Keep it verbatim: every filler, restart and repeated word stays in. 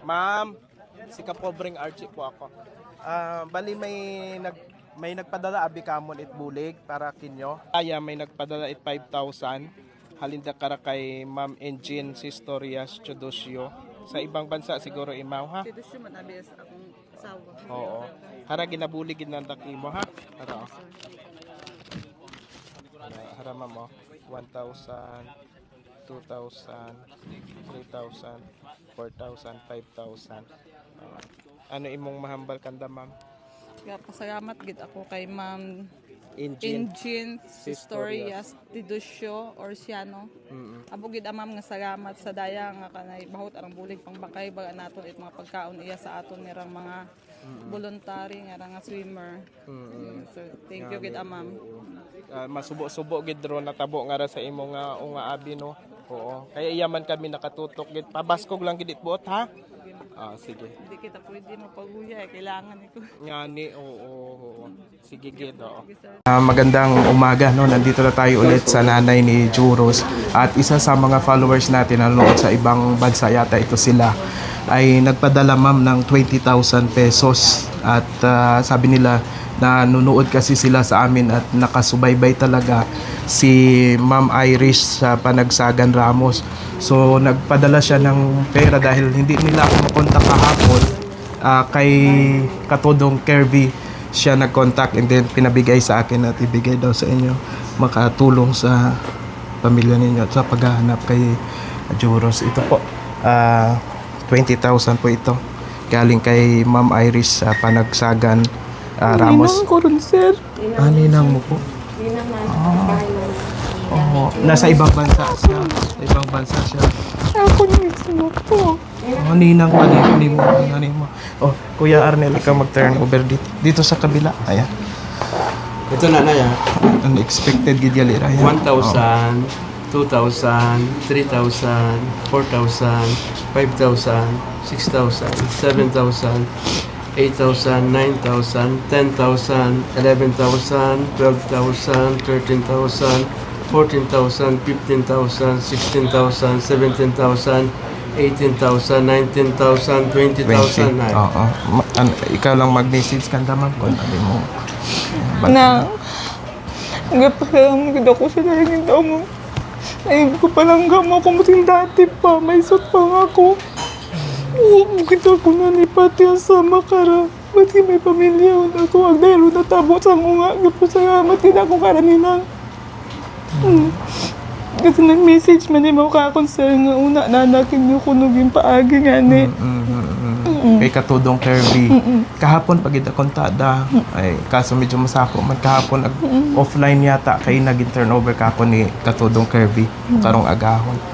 Ma'am, si Kapobreng Archie po ako. Ah, bali may nag may nagpadala abi kamon it bulig para kinyo. Kaya may nagpadala it five thousand. Halinda kara kay Ma'am Engine Sistorias Chodosio. Sa ibang bansa siguro imaw ha. Tidusyo man abi sa akong asawa. Oo. Hara ginabulig ginandak imo ha. Hara. Oh. Hara ma'am oh. one thousand, two thousand, three thousand, four thousand, five thousand. Uh, ano imong mahambal kanda ma'am? Kaya pasalamat gid ako kay Ma'am Engine. Engine Sistorias Tidusyo or Siano. Mm-mm. Abo gid amam nga salamat sa daya nga kanay bahut arang bulig pangbakay baga naton it mga pagkaon iya sa aton nirang mga voluntary nga nga swimmer. Mm-mm. So thank you gid amam. Uh, masubo-subo gid ro natabo nga ra sa imo nga unga abi no. Oo. Kaya iyaman kami nakatutok gid. Pabaskog lang gid it buot ha. Ah, sige. Hindi kita pwede mapaguya eh. Kailangan ito. Ngani, oo, oo, oo. Sige gid, oo. Sige, Uh, magandang umaga, no? Nandito na tayo ulit sa nanay ni Juros. At isa sa mga followers natin na nanonood sa ibang bansa, yata ito sila, ay nagpadala ma'am ng twenty thousand pesos. At uh, sabi nila na nunood kasi sila sa amin at nakasubaybay talaga si Ma'am Irish sa Panagsagan Ramos. So nagpadala siya ng pera dahil hindi nila ako makontak kahapon. Uh, kay Katodong Kirby siya nag-contact and then pinabigay sa akin at ibigay daw sa inyo makatulong sa pamilya ninyo at sa paghahanap kay Juros. Ito po, uh, twenty thousand po ito galing kay Ma'am Iris sa Panagsagan uh, Ramos. Ninang ko rin, sir. Ah, ninang mo po? Ninang man. Oh, nasa ibang bansa siya. Sa ibang bansa siya. Ako mismo po. Oh, ninang pa din mo. Ninang mo. Oh, Kuya Arnel, ikaw mag-turn over dito. Dito sa kabila. Ayan. Ito na na yan. Unexpected gid gali ra yan. one thousand, two thousand, three thousand, four thousand, five thousand, six thousand, seven thousand, eight thousand, nine thousand, ten thousand, eleven thousand, twelve thousand, thirteen thousand, fourteen thousand, fifteen thousand, sixteen thousand, seventeen thousand, eighteen thousand, nineteen thousand, twenty thousand. twenty. Oo. Ma- an- ikaw lang mag-message kanda ma'am kung ano mo. Na, nagpasalam gid ako sa nalingin daw mo. Ay, ko palang gamo ko muting dati pa. May sut pa nga ako. Oo, bukit ako na ni pati ang sama kara. Ba't may pamilya ako? Ang dahil natabo sa mga. Nagpasalamat din ako karaninang. Hmm. Kasi nag-message man yung mga kakonsern nga una nanakin yung kunugin paagi nga ni. Mm, mm, mm, mm. Kay Katudong Kirby. Kahapon pag idakontada, ay kaso medyo masako man kahapon ag offline yata kay naging turnover kahapon ni Katudong Kirby karong agahon.